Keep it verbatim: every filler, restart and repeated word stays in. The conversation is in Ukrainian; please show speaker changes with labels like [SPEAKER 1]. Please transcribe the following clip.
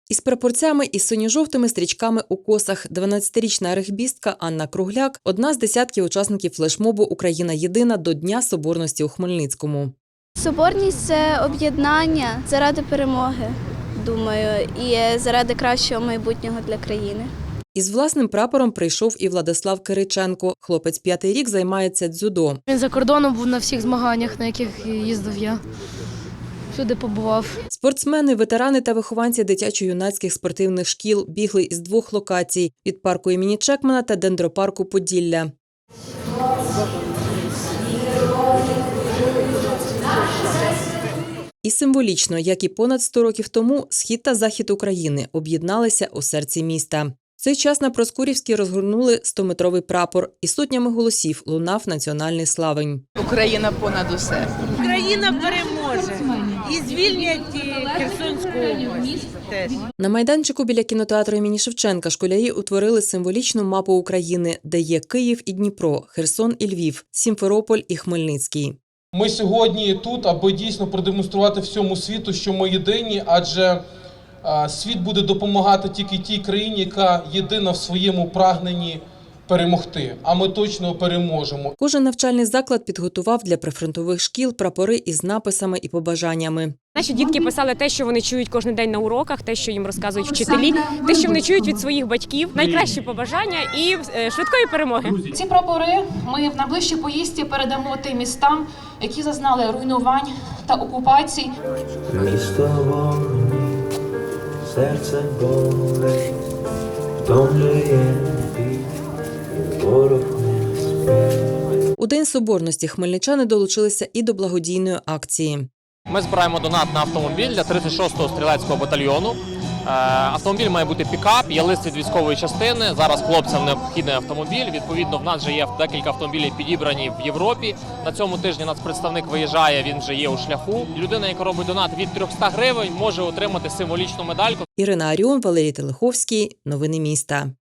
[SPEAKER 1] Із прапорцями і синьо-жовтими стрічками у косах дванадцятирічна регбістка Анна Кругляк – одна з десятків учасників флешмобу «Україна єдина» до Дня Соборності у Хмельницькому.
[SPEAKER 2] Соборність – це об'єднання заради перемоги, думаю, і заради кращого майбутнього для країни.
[SPEAKER 1] Із власним прапором прийшов і Владислав Кириченко. Хлопець п'ятий рік займається дзюдо.
[SPEAKER 3] Він за кордоном був на всіх змаганнях, на яких їздив я. Всюди побував.
[SPEAKER 1] Спортсмени, ветерани та вихованці дитячо-юнацьких спортивних шкіл бігли із двох локацій – від парку імені Чекмана та дендропарку Поділля. І символічно, як і понад сто років тому, схід та захід України об'єдналися у серці міста. В цей час на Проскурівській розгорнули стометровий прапор і сотнями голосів лунав національний славень.
[SPEAKER 4] Україна понад усе.
[SPEAKER 5] Україна переможе і звільнять Херсонську область теж.
[SPEAKER 1] На майданчику біля кінотеатру імені Шевченка школярі утворили символічну мапу України, де є Київ і Дніпро, Херсон і Львів, Сімферополь і Хмельницький.
[SPEAKER 6] Ми сьогодні тут, аби дійсно продемонструвати всьому світу, що ми єдині, адже світ буде допомагати тільки тій країні, яка єдина в своєму прагненні перемогти. А ми точно переможемо.
[SPEAKER 1] Кожен навчальний заклад підготував для прифронтових шкіл прапори із написами і побажаннями.
[SPEAKER 7] Наші дітки писали те, що вони чують кожен день на уроках, те, що їм розказують вчителі, те, що вони чують від своїх батьків, найкращі побажання і швидкої перемоги.
[SPEAKER 8] Ці прапори ми в найближчій поїздці передамо тим містам, які зазнали руйнувань та окупацій.
[SPEAKER 9] Місто вогні, серце болить, втомлює біль, ворог не спить.
[SPEAKER 1] У День Соборності хмельничани долучилися і до благодійної акції.
[SPEAKER 10] Ми збираємо донат на автомобіль для тридцять шостого стрілецького батальйону. Автомобіль має бути пікап, є лист від військової частини. Зараз хлопцям необхідний автомобіль. Відповідно, в нас вже є декілька автомобілів підібрані в Європі. На цьому тижні нацпредставник виїжджає, він вже є у шляху. Людина, яка робить донат від трьохсот гривень, може отримати символічну медальку.
[SPEAKER 1] Ірина Аріон, Валерій Телеховський. Новини міста.